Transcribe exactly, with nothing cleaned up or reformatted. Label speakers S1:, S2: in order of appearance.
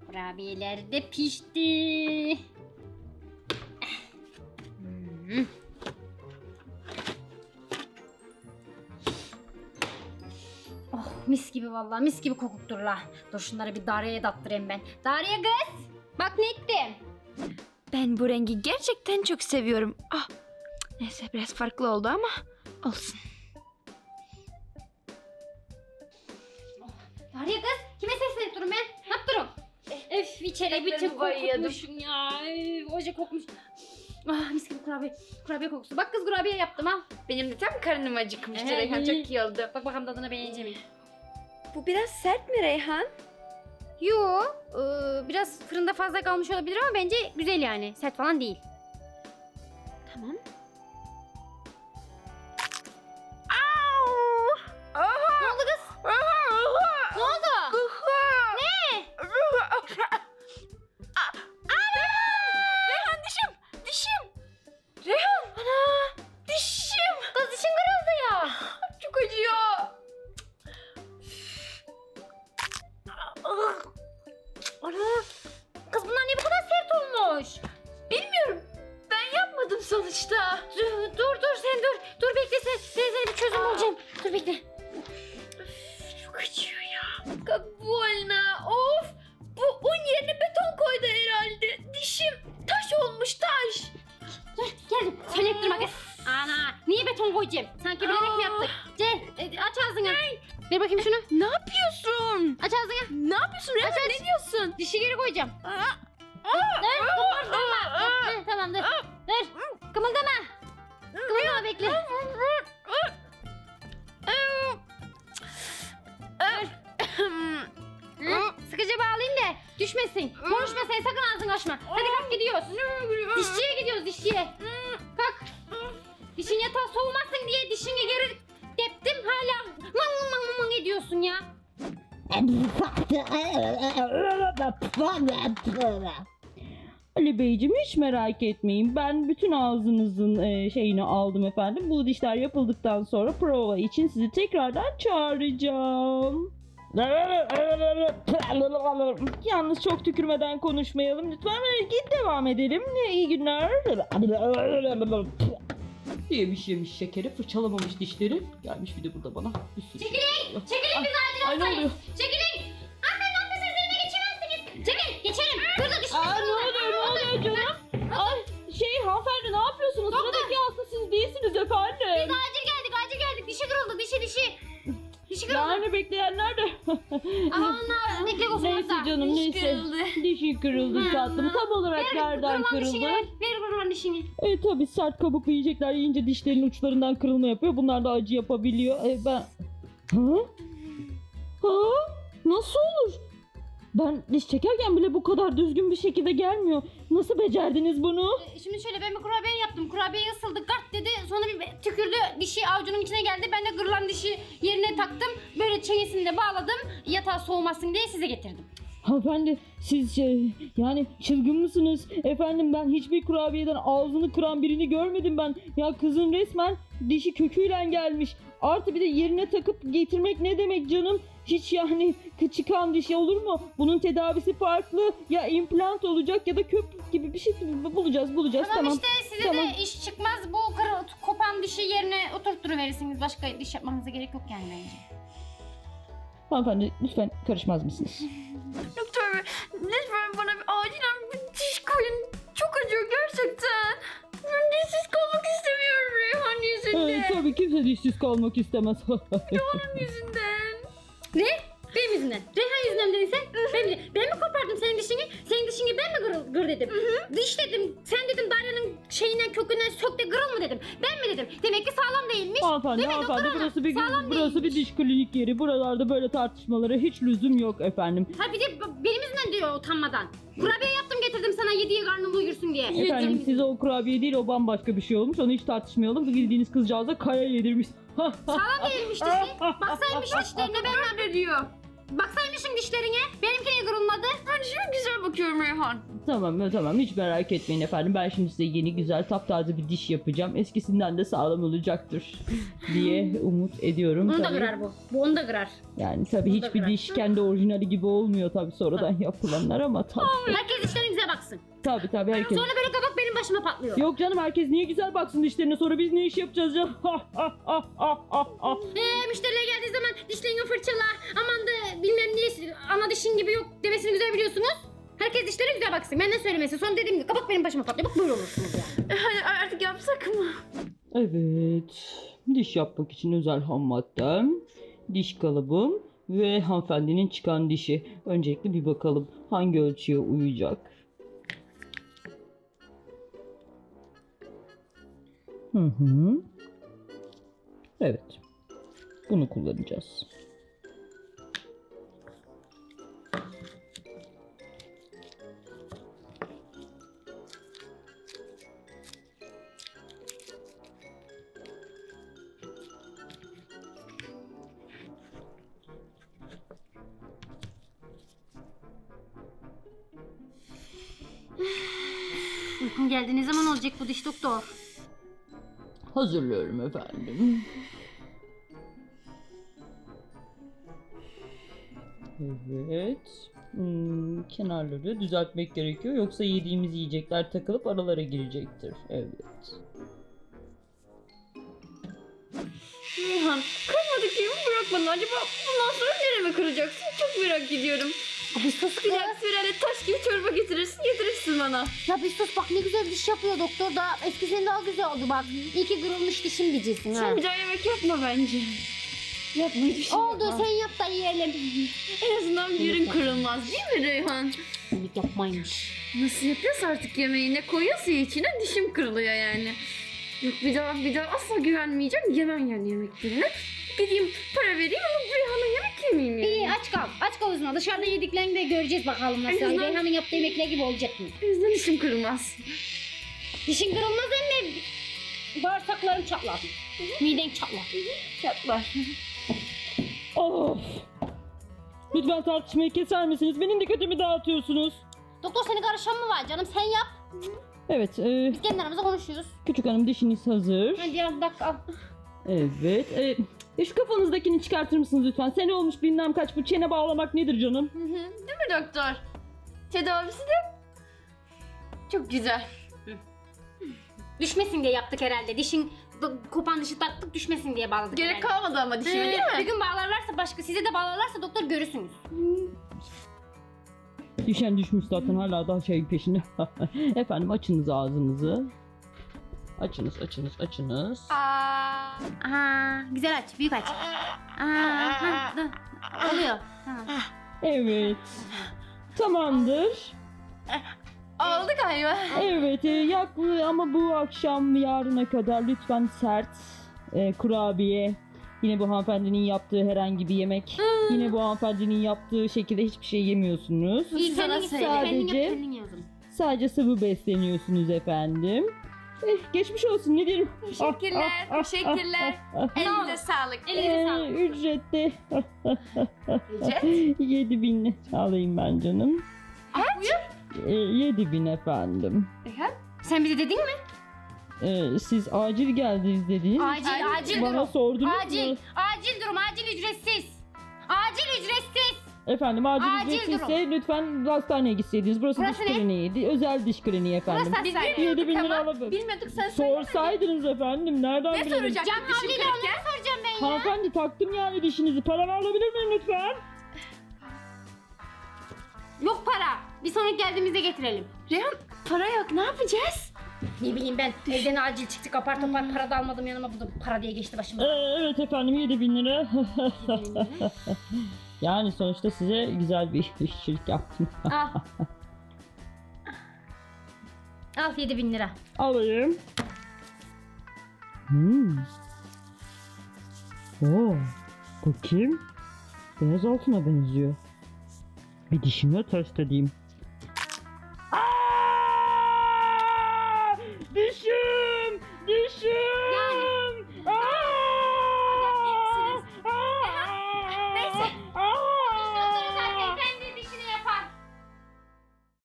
S1: Kurabiyeler de pişti. Hmm. Oh mis gibi vallahi mis gibi kokukturlar. Dur şunları bir Darya'ya dattırayım ben. Darya kız bak ne ettim.
S2: Ben bu rengi gerçekten çok seviyorum. Ah, neyse biraz farklı oldu ama olsun.
S1: Darya kız kime seslenip durun ben? Ne yaptırım? Öf içeri bütün kokutmuşum ya. Üf, oje kokmuş. Ah mis gibi kurabiye. Kurabiye kokusu. Bak kız kurabiye yaptım al.
S2: Benim de tam karnım acıkmıştı
S1: Ee,
S2: Reyhan,
S1: iyi.
S2: çok iyi oldu.
S1: Bak bakalım tadına beğenecek miyim?
S2: Bu biraz sert mi Reyhan?
S1: Yo, e, biraz fırında fazla kalmış olabilir ama bence güzel yani. Sert falan değil.
S2: Tamam.
S1: Ne oldu kız? Ne oldu? Ne?
S2: Reyhan dişim! Dişim! Reyhan! Ana! Dişim!
S1: Kız dişin kırıldı ya.
S2: Çok acıyor.
S1: Ana. Kız bunlar niye bu kadar sert olmuş?
S2: Bilmiyorum. Ben yapmadım sonuçta.
S1: Dur dur, dur sen dur. Dur bekle sen. Ben sana bir çözüm bulacağım. Dur bekle.
S2: Çok acıyor ya. Kabuolna. Of! Bu un yerine beton koydu herhalde. Dişim taş olmuş, taş.
S1: Dur geldim. Sen ettirme kız. Ana niye beton koyacağım? Sanki bilerek mi yaptık? Gel e, aç ağzını. Ver bakayım şunu.
S2: Ne yapıyorsun?
S1: Aç ağzını.
S2: Ne yapıyorsun Reyhan?
S1: Aç, aç.
S2: Ne diyorsun?
S1: Dişi geri koyacağım. Dur kımıldama. Heh, tamam dur. Dur. Kımıldama. Kımıldama bekle. Hı? Sıkıca bağlayayım da düşmesin. Konuşma sen sakın ağzını açma. Hadi kalk gidiyoruz. Dişçiye gidiyoruz dişçiye. Kalk. Dişin yatağı soğumasın diye dişini geri deptim hala man man man man ediyorsun ya.
S3: Ali Beyciğim hiç merak etmeyin. Ben bütün ağzınızın e, şeyini aldım efendim. Bu dişler yapıldıktan sonra prova için sizi tekrardan çağıracağım. Yalnız çok tükürmeden konuşmayalım. Lütfen git devam edelim. İyi günler. Yemiş yemiş şekeri, fırçalamamış dişleri. Gelmiş bir de burada bana. Bir sürü
S1: Çekilin!
S3: şey.
S1: Çekilin biz acil
S3: Ay ne
S1: hastayız.
S3: oluyor?
S1: Çekilin! Hanımefendi siz yerine geçemezsiniz. Çekil! Geçelim! Burada düşün.
S3: Aa ne oluyor ne oluyor canım? Ay şey hanımefendi ne yapıyorsunuz?
S1: Doktor.
S3: Sıradaki hasta siz değilsiniz efendim.
S1: Biz acil geldik acil geldik. Dişi kırıldı dişi dişi. Dişi kırıldı.
S3: Yani bekleyenler de.
S1: Aman ne olsun
S3: Neyse
S1: orada.
S3: canım
S2: Diş
S3: neyse.
S2: kırıldı.
S3: Dişi kırıldı
S1: Hı.
S3: tatlım. Tam olarak
S1: Ver
S3: nereden
S1: kırılan dişini
S3: kırıldı?
S1: ver. Ver kırılan dişini.
S3: E tabi sert kabuklu yiyecekler yiyince dişlerin uçlarından kırılma yapıyor. Bunlar da acı yapabiliyor. E ben... Ha? Ha? Nasıl olur? Ben diş çekerken bile bu kadar düzgün bir şekilde gelmiyor. Nasıl becerdiniz bunu?
S1: Ee, Şimdi şöyle ben bir kurabiye yaptım. Kurabiye ısıldı gart dedi. Sonra bir tükürdü. Dişi avucunun içine geldi. Ben de kırılan dişi yerine taktım. Böyle çenesini de bağladım. Yatağı soğumasın diye size getirdim.
S3: Hanımefendi siz şey, yani çılgın mısınız? Efendim ben hiçbir kurabiyeden ağzını kıran birini görmedim ben. Ya kızın resmen dişi köküyle gelmiş. Artı bir de yerine takıp getirmek ne demek canım? Hiç yani çıkan dişi olur mu? Bunun tedavisi farklı. Ya implant olacak ya da köprü gibi bir şey bulacağız bulacağız.
S1: Tamam,
S3: Tamam.
S1: işte size
S3: Tamam.
S1: de iş çıkmaz. Bu kırı, kopan dişi yerine oturtturuverirsiniz. Başka diş yapmanıza gerek yok yani bence.
S3: Hanımefendi lütfen karışmaz mısınız?
S2: Doktor bey, lütfen bana bir acilen bir diş koyun. Çok acıyor gerçekten. Ben dişsiz kalmak istemiyorum Reyhan yüzünden.
S3: Ee, tabii kimse dişsiz kalmak istemez.
S2: Onun yüzünden.
S1: Ne? Benim yüzümden. Reyhan yüzünden dedin sen. Ben, mi- ben mi kopardım senin dişini? Senin dişini ben mi gır, gır dedim? Diş dedim. Sen dedim Darya'nın şeyinden kökünden sök de kırıl mı dedim. Ben mi dedim? Demek ki sağlam değilmiş.
S3: Hanımefendi,
S1: Değil mi
S3: hanımefendi
S1: doktor hanım?
S3: burası bir
S1: Sağlam
S3: burası bir diş klinik yeri. Buralarda böyle tartışmalara hiç lüzum yok efendim.
S1: Ha bir de b- benim yüzümden diyor utanmadan. Kurabiye yaptım getirdim sana yediye karnın doyursun diye.
S3: Efendim size o kurabiye değil o bambaşka bir şey olmuş. Onu hiç tartışmayalım. Bildiğiniz kızcağıza kaya yedirmiş.
S1: Sağlam değilmiş dişi. Baksaymış dişlerine ben
S2: Ne diyor?
S1: baksaymışsın dişlerine. Benimki niye kırılmadı?
S2: Ben dişime güzel bakıyorum Reyhan.
S3: Tamam tamam hiç merak etmeyin efendim. Ben şimdi size yeni güzel taptaze bir diş yapacağım. Eskisinden de sağlam olacaktır diye umut ediyorum.
S1: Onu da
S3: tabii.
S1: kırar bu. Bu onu da kırar.
S3: Yani tabii
S1: Onu da
S3: hiçbir
S1: kırar.
S3: diş kendi orijinali gibi olmuyor tabii sonradan yapılanlar ama tabii.
S1: Herkes dişlerinize baksın.
S3: Tabii tabii herkes.
S1: Sonra böyle kabak benim başıma patlıyor.
S3: Yok canım herkes niye güzel baksın dişlerine sonra biz ne iş yapacağız ya?
S1: Ee, müşteriler geldiği zaman dişlerini fırçala. Aman da bilmem ne ana dişin gibi yok demesini güzel biliyorsunuz. Herkes dişlerine güzel baksın. Benden söylemesi. Sonra dediğim gibi kabak benim başıma patlıyor. Bak böyle olursunuz yani.
S2: E, hadi artık yapsak mı?
S3: Evet. Diş yapmak için özel ham maddem, diş kalıbım ve hanımefendinin çıkan dişi. Öncelikle bir bakalım hangi ölçüye uyacak. Hı hı. Evet. Bunu kullanacağız.
S1: Uykum geldi. Ne zaman olacak bu diş doktor?
S3: Hazırlıyorum efendim. Evet. Hmm, kenarları düzeltmek gerekiyor. Yoksa yediğimiz yiyecekler takılıp aralara girecektir. Evet.
S2: Reyhan kırmadık gibi mi bırakmadın? Acaba bundan sonra nereme kıracaksın? Çok merak ediyorum.
S1: Abi sus
S2: Bir dahaki sefere taş gibi çorba getirirsin getirirsin bana.
S1: Ya bir sus bak ne güzel diş yapıyor doktor da eskisinden daha güzel oldu bak. İyi ki kırılmış dişim diyeceksin ha.
S2: Sen bir daha yemek yapma bence. Yapma hiçbir şey
S1: Oldu
S2: yapma.
S1: sen yap da yiyelim.
S2: En azından bir yerin kırılmaz değil mi Reyhan?
S1: İyilik yapmaymış.
S2: Nasıl yapıyorsa artık yemeği ne koyuyorsa içine dişim kırılıyor yani. Yok bir daha bir daha asla güvenmeyeceğim. Yemem yani yemeklerini. Gideyim para vereyim ama Reyhan'a yemek yemeyeyim yani.
S1: İyi aç kal. Aç kal o zaman. Dışarıda yediklerini de göreceğiz bakalım nasıl.
S2: En azından-
S1: Reyhan'ın yaptığı yemekler gibi olacak mı?
S2: O yüzden dişim kırılmaz.
S1: Dişin kırılmaz emme. Bağırsakların çatlar. Miden çatlar.
S2: Çatlar.
S3: Of! Lütfen tartışmayı keser misiniz? Benim dikkatimi dağıtıyorsunuz.
S1: Doktor seni karışan mı var canım? Sen yap.
S3: Evet, e,
S1: Biz kendi aramızda konuşuyoruz.
S3: küçük hanım dişiniz hazır.
S1: Hadi ya dakika al.
S3: Evet. E, e, şu kafanızdakini çıkartır mısınız lütfen? Sene olmuş bilmem kaç, bu çene bağlamak nedir canım?
S2: Hı hı. Değil mi doktor? Tedavisi de çok güzel.
S1: Düşmesin diye yaptık herhalde. Dişin d- kopan dişi taktık düşmesin diye bağladık.
S2: Gerek
S1: herhalde.
S2: kalmadı ama dişime
S1: Ee,
S2: değil
S1: Bir
S2: mi?
S1: gün bağlarlarsa başka size de bağlarlarsa doktor görürsünüz.
S3: Düşen düşmüş zaten hala daha şey peşinde. Efendim açınız ağzınızı. Açınız, açınız, açınız.
S1: Aa, aha, güzel aç, büyük aç. Aa, ha, dur. Oluyor. Tamam.
S3: Evet. Tamamdır.
S2: Oldu galiba.
S3: Evet, e, yaklı ama bu akşam yarına kadar lütfen sert e, kurabiye. Yine bu hanımefendinin yaptığı herhangi bir yemek. Yine bu hanımefendinin yaptığı şekilde hiçbir şey yemiyorsunuz.
S1: İyi
S2: Sana
S1: kendin
S2: söyle.
S1: söyle. Kendin
S3: Sadece-
S1: yap, kendin yazın.
S3: Sadece sıvı besleniyorsunuz efendim. Eh, geçmiş olsun ne diyelim.
S2: Teşekkürler,
S3: Ah, ah, ah,
S2: teşekkürler.
S3: ah, ah.
S2: Elinize sağlık.
S1: Elinize
S3: Ee,
S1: sağlık.
S3: ücrette
S2: Ücret?
S3: yedi bin alayım ben canım.
S1: Ah, buyur.
S3: Ee, yedi bin efendim.
S2: Reyhan?
S1: Sen bize dedin mi?
S3: Ee, siz acil geldiniz dediniz.
S1: Acil,
S2: Acil
S1: acil
S3: Bana
S1: durum.
S3: sordunuz
S1: Acil,
S3: mu?
S1: acil durum, acil ücretsiz. Acil ücretsiz.
S3: Efendim acil,
S1: Acil
S3: ücretsizse lütfen hastaneye gitseydiniz. Burası,
S1: Burası
S3: diş
S1: ne?
S3: kliniği. Özel diş kliniği efendim.
S1: Burası
S2: Biz
S1: hastane.
S3: Yedi bin
S2: bilmiyorduk
S3: lira
S2: ama.
S3: alıp-
S2: Bilmiyorduk sen söyle.
S3: Sorsaydınız efendim nereden
S2: Ne
S3: bilelim?
S2: soracaktık
S1: Can
S2: dişim
S1: havliyle
S2: kırıkken?
S1: onları soracağım ben ya.
S3: Hanımefendi taktım yani dişinizi. Paramı alabilir miyim lütfen?
S1: Yok para. Bir sonraki geldiğimizde getirelim.
S2: Reyhan para yok ne yapacağız?
S1: Ne bileyim ben. Evden acil çıktık apar topar para da almadım yanıma. Bu da para diye geçti başıma.
S3: Ee, evet efendim yedi bin lira. Yani sonuçta size güzel bir işçilik yaptım.
S1: Al. Al yedi bin lira.
S3: Alayım. Hmm. Oo, bakayım. Beyaz altına benziyor. Bir dişimle test edeyim.